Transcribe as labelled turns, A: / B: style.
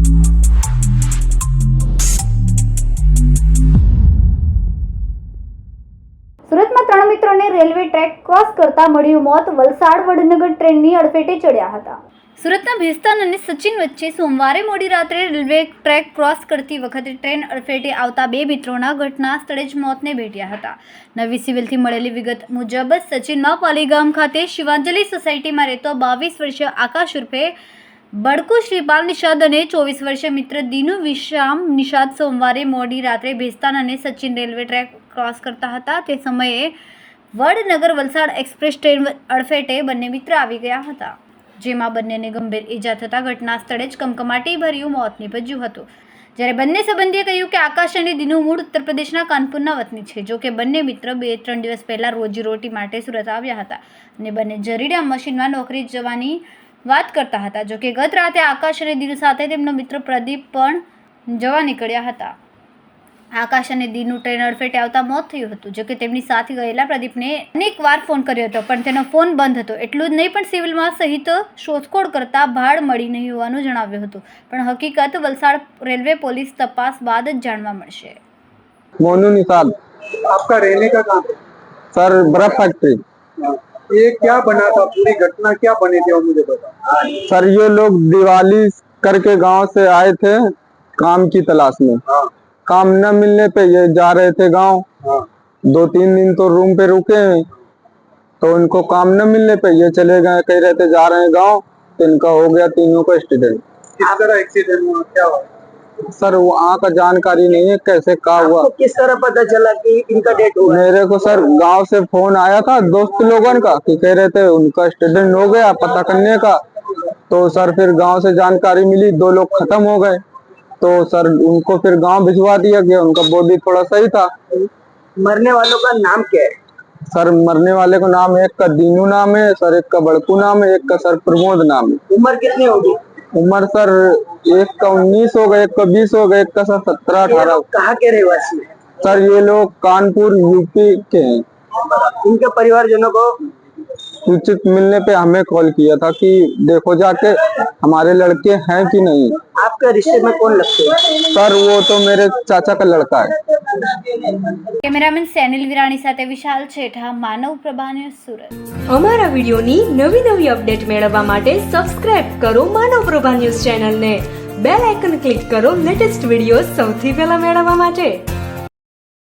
A: સુરતમાં 3 મિત્રોને railway track cross કરતા મળ્યું મોત. વલસાડ વડનગર ટ્રેનની અડફેટે ચડ્યા હતા. સુરતના ભેસ્તાન અને સચિન વચ્ચે સોમવારે મોડી રાત્રે રેલવે ટ્રેક ક્રોસ કરતી વખતે ટ્રેન અડફેટે આવતા 2 મિત્રોના ઘટના સ્થળે જ મોતને ભેટ્યા હતા. નવી સિવિલથી મળેલી વિગત મુજબ સચિનમાં પાલીગામ ખાતે શિવાંજલિ સોસાયટીમાં રહેતો 22 વર્ષીય આકાશ ઉર્ફે બડકુ શ્રીપાલ નિષાદ અને 24 વર્ષીય મિત્ર દીનુ વિશ્રામ નિષાદ સોમવારે મોડી રાત્રે ભેસ્તાન અને સચિન રેલવે ટ્રેક ક્રોસ કરતા હતા. તે સમયે વડનગર વલસાડ એક્સપ્રેસ ટ્રેન અડફેટે બંને મિત્ર આવી ગયા હતા, જેમાં બંનેને ગંભીર ઈજા થતાં ઘટના સ્થળે જ કમકમાટી ભર્યું મોત નીપજ્યું હતું. જ્યારે બંને સંબંધીએ કહ્યું કે આકાશ અને દીનુ મૂળ ઉત્તર પ્રદેશના કાનપુરના વતની છે. જો કે બંને મિત્ર 2-3 દિવસ પહેલા રોજીરોટી માટે સુરત આવ્યા હતા અને બંને જરીડા મશીનમાં નોકરી જવાની વાત કરતા હતા. જો કે ગત રાતે આકાશ અને દીનુ સાથે તેમનો મિત્ર પ્રદીપ પણ જવા નીકળ્યા હતા. આકાશ અને દીનુ ટ્રેન અડફેટે આવતા મોત થયું હતું. જો કે તેમની સાથે ગયેલા પ્રદીપને અનેક વાર ફોન કર્યો હતો, પણ તેનો ફોન બંધ હતો. એટલું જ નહીં, પણ સિવિલમાં સહિત શોધખોળ કરતા ભાડ મળી નહીં હોવાનું જણાવ્યું હતું. પણ હકીકત વલસાડ રેલવે પોલીસ તપાસ બાદ જ જાણવા મળશે.
B: मोनू निषाद।
C: आपका रहने का कहाँ है?
B: सर बर्फ फैक्ट्री।
C: ये क्या बना था, पूरी घटना क्या बनी थी, मुझे बता।
B: सर ये लोग दिवाली करके गांव से आए थे काम की तलाश में।
C: हाँ।
B: काम न मिलने पे ये जा रहे थे गांव।
C: हाँ।
B: 2-3 दिन तो रूम पे रुके, तो उनको काम न मिलने पे ये चले गए, कह रहे थे जा रहे हैं गांव, तो इनका हो गया तीनों का एक्सीडेंट।
C: किस तरह एक्सीडेंट हुआ, क्या हुआ?
B: सर वहाँ का जानकारी नहीं है कैसे का हुआ।
D: आपको किस तरह पता चला कि इनका डेथ हुआ?
B: मेरे को सर गांव से फोन आया था दोस्त लोगों का कि कह रहे थे उनका एक्सीडेंट हो गया, पता करने का। तो सर फिर गांव से जानकारी मिली, 2 लोग खत्म हो गए, तो सर उनको फिर गांव भिजवा दिया गया। उनका बॉडी थोड़ा सही था।
D: मरने वालों का नाम क्या है?
B: सर मरने वाले का नाम एक का दीनू नाम है सर, एक का बड़कू नाम है, एक का सर प्रमोद नाम है।
D: उम्र कितनी होगी?
B: उम्र सर एक का 19 हो गए, एक का 20 हो गए, एक का सर 17-18।
D: कहाँ के रहवासी हैं?
B: सर ये लोग कानपुर यूपी के हैं।
D: इनके परिवारजनों को
B: सूचित मिलने पे हमें कॉल किया था कि देखो जाके हमारे लड़के हैं कि नहीं।
D: आपके रिश्ते में कौन लगते हैं?
B: सर वो तो मेरे चाचा का लड़का है।
A: કેમેરામેન સેનિલ વિરાણી સાથે વિશાલ છેઠા, માનવ પ્રભા ન્યૂઝ, સુરત।
E: અમારા વિડિયોની નવી અપડેટ મેળવવા માટે સબસ્ક્રાઇબ કરો માનવ પ્રભા ન્યૂઝ ચેનલને, બેલ આઇકન ક્લિક કરો લેટેસ્ટ વિડિયો સૌથી પહેલા મેળવવા માટે।